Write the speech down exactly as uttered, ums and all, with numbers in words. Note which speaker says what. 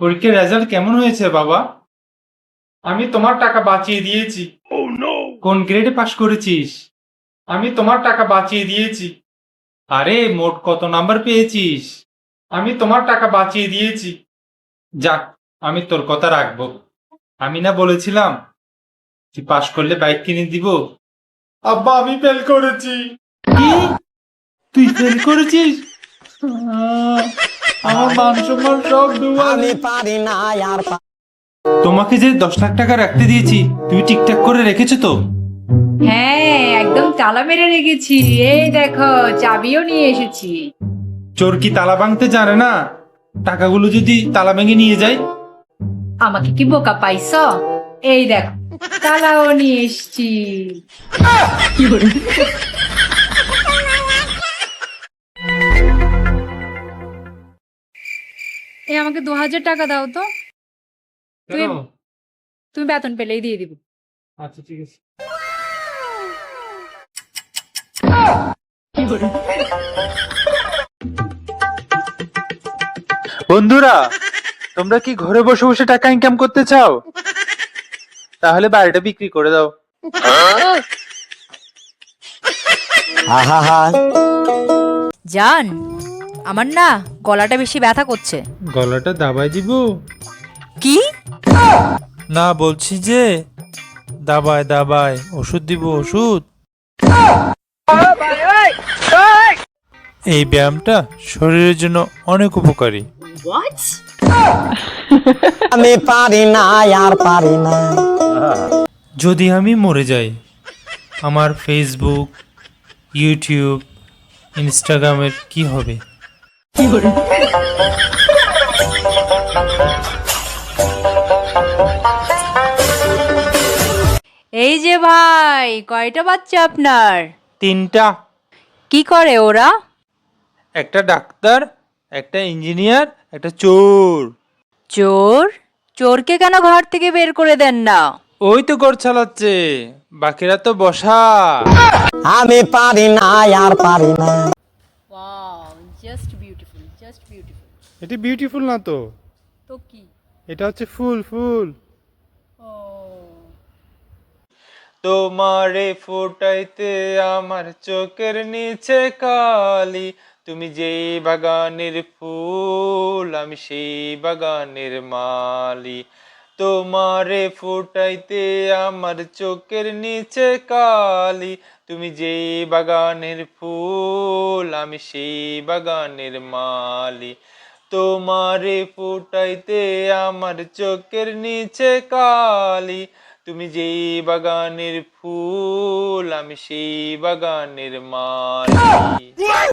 Speaker 1: পরীক্ষার রেজাল্ট কেমন হয়েছে বাবা? আমি তোমার টাকা বাঁচিয়ে দিয়েছি। কোন গ্রেডে পাশ করেছিস? আমি তোমার টাকা বাঁচিয়ে দিয়েছি। আরে মোট কত নাম্বার পেয়েছিস? আমি তোমার টাকা বাঁচিয়ে দিয়েছি। যাক, আমি তোর কথা রাখবো। আমি না বলেছিলাম তুই পাশ করলে বাইক কিনে দিব। আব্বা, আমি ফেল করেছি। কি? তুই ফেল করেছিস? আহ, আমার মান সম্মান সব ডুবালে।
Speaker 2: পারি না আর
Speaker 1: তোমাকে যে দশ লাখ টাকা রাখতে দিয়েছি তুমি ঠিকঠাক করে রেখেছো তো?
Speaker 3: হ্যাঁ, একদম তালা মেরে রেখেছি। এই দেখো, চাবিও নিয়ে এসেছি।
Speaker 1: চোর কি তালা ভাঙতে জানে না? টাকাগুলো যদি তালা ভেঙে নিয়ে যায়?
Speaker 3: আমাকে কি বোকা পাইছো? এই দেখো, তালাও নিয়ে এসেছি। এই আমাকে দু হাজার টাকা দাও তো।
Speaker 1: কেন?
Speaker 3: তুমি বেতন পেলেই দিয়ে দিব।
Speaker 1: আচ্ছা, ঠিক আছে। বন্ধুরা, তোমরা কি ঘরে বসে বসে টাকা ইনকাম করতে চাও? তাহলে বাড়িটা বিক্রি করে দাও।
Speaker 2: আহা
Speaker 4: জান, আমার না গলাটা বেশি ব্যথা করছে।
Speaker 1: গলাটা দাবাই দিব?
Speaker 4: কি?
Speaker 5: না, বলছি যে দাবায় দাবায় ওষুধ দিব, ওষুধ। এই ব্যায়ামটা শরীরের জন্য অনেক উপকারী।
Speaker 2: আমি পারি না আর পারি না।
Speaker 5: যদি আমি মরে যাই, আমার ফেসবুক, ইউটিউব, ইনস্টাগ্রামের কি হবে?
Speaker 4: এই যে ভাই, কয়টা বাচ্চা আপনার?
Speaker 5: তিনটা।
Speaker 4: কি করে ওরা?
Speaker 5: একটা ডাক্তার, একটা ইঞ্জিনিয়ার, একটা চোর।
Speaker 4: চোর? চোরকে কেন ঘর থেকে বের করে দেন না?
Speaker 5: ওই তো ঘর চালাচ্ছে, বাকিরা তো বসা।
Speaker 2: আমি পারি না আর পারি না।
Speaker 4: Wow, just beautiful, just beautiful.
Speaker 1: এটা বিউটিফুল না তো,
Speaker 4: তো কি?
Speaker 1: এটা হচ্ছে ফুল ফুল।
Speaker 4: ও,
Speaker 5: তোমারে ফোটাইতে আমার চোখের নিচে কালি, তুমি যেই বাগানের ফুল আমি সেই বাগানের মালি। তোমারে ফোটাইতে আমার চোখের নিচে কালি, তুমি যেই বাগানের ফুল আমি সেই বাগানের মালি। তোমারে ফোটাইতে আমার চোখের নিচে কালি, তুমি যেই বাগানের ফুল আমি সেই বাগানের মালি।